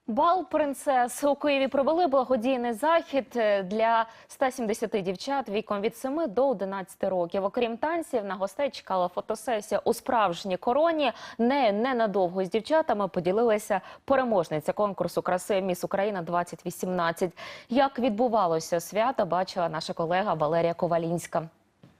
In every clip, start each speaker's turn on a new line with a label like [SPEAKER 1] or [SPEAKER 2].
[SPEAKER 1] Бал принцес у Києві провели благодійний захід для 170 дівчат віком від 7 до 11 років. Окрім танців, на гостей чекала фотосесія у справжній короні. Ненадовго з дівчатами поділилася переможниця конкурсу краси «Міс Україна-2018». Як відбувалося свято, бачила наша колега Валерія Ковалінська.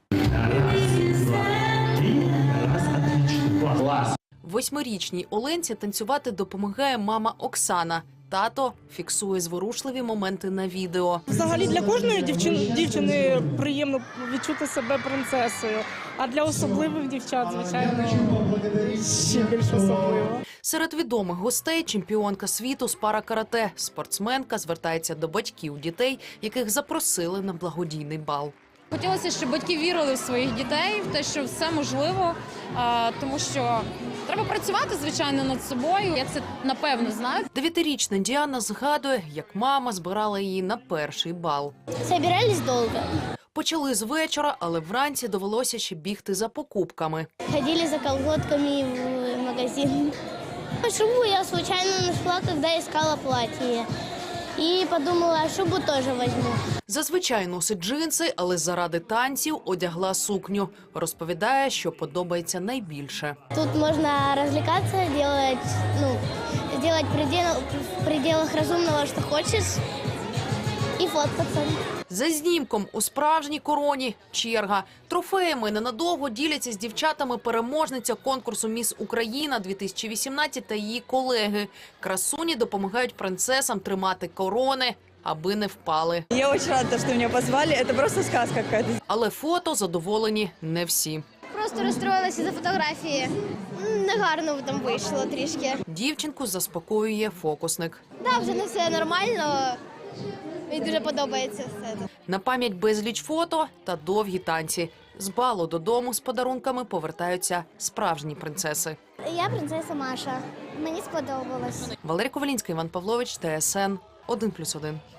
[SPEAKER 2] Восьмирічній Оленці танцювати допомагає мама Оксана. Тато фіксує зворушливі моменти на відео.
[SPEAKER 3] Взагалі для кожної дівчини приємно відчути себе принцесою, а для особливих дівчат, звичайно, ще більш особливо.
[SPEAKER 2] Серед відомих гостей чемпіонка світу з пара-карате. Спортсменка звертається до батьків дітей, яких запросили на благодійний бал.
[SPEAKER 4] Хотілося, щоб батьки вірили в своїх дітей, в те, що все можливо, тому що треба працювати, звичайно, над собою. Я це, напевно, знаю.
[SPEAKER 2] 9-річна Діана згадує, як мама збирала її на перший бал.
[SPEAKER 5] Собирались долго.
[SPEAKER 2] Почали з вечора, але вранці довелося ще бігти за покупками.
[SPEAKER 5] Ходили за колготками в магазин. Шубу я случайно нашла, когда искала платье. І подумала, шубу теж візьму.
[SPEAKER 2] Зазвичай носить джинси, але заради танців одягла сукню. Розповідає, що подобається найбільше.
[SPEAKER 5] Тут можна розвлікатися, робити в пределах розумного, що хочеш, і фоткатися.
[SPEAKER 2] За знімком у справжній короні черга. Трофеями ненадовго діляться з дівчатами переможниця конкурсу «Міс Україна-2018» та її колеги. Красуні допомагають принцесам тримати корони, аби не впали.
[SPEAKER 6] Я дуже рада, що мене позвали. Це просто сказка якась.
[SPEAKER 2] Але фото задоволені не всі.
[SPEAKER 5] Просто розстроїлася за фотографії. Негарно там вийшло трішки.
[SPEAKER 2] Дівчинку заспокоює фокусник.
[SPEAKER 5] Так, вже не все нормально. Мені дуже подобається все.
[SPEAKER 2] На пам'ять безліч фото та довгі танці. З балу додому з подарунками повертаються справжні принцеси.
[SPEAKER 5] Я принцеса Маша. Мені сподобалось.
[SPEAKER 2] Валерія Ковалінська, Іван Павлович, ТСН 1+1.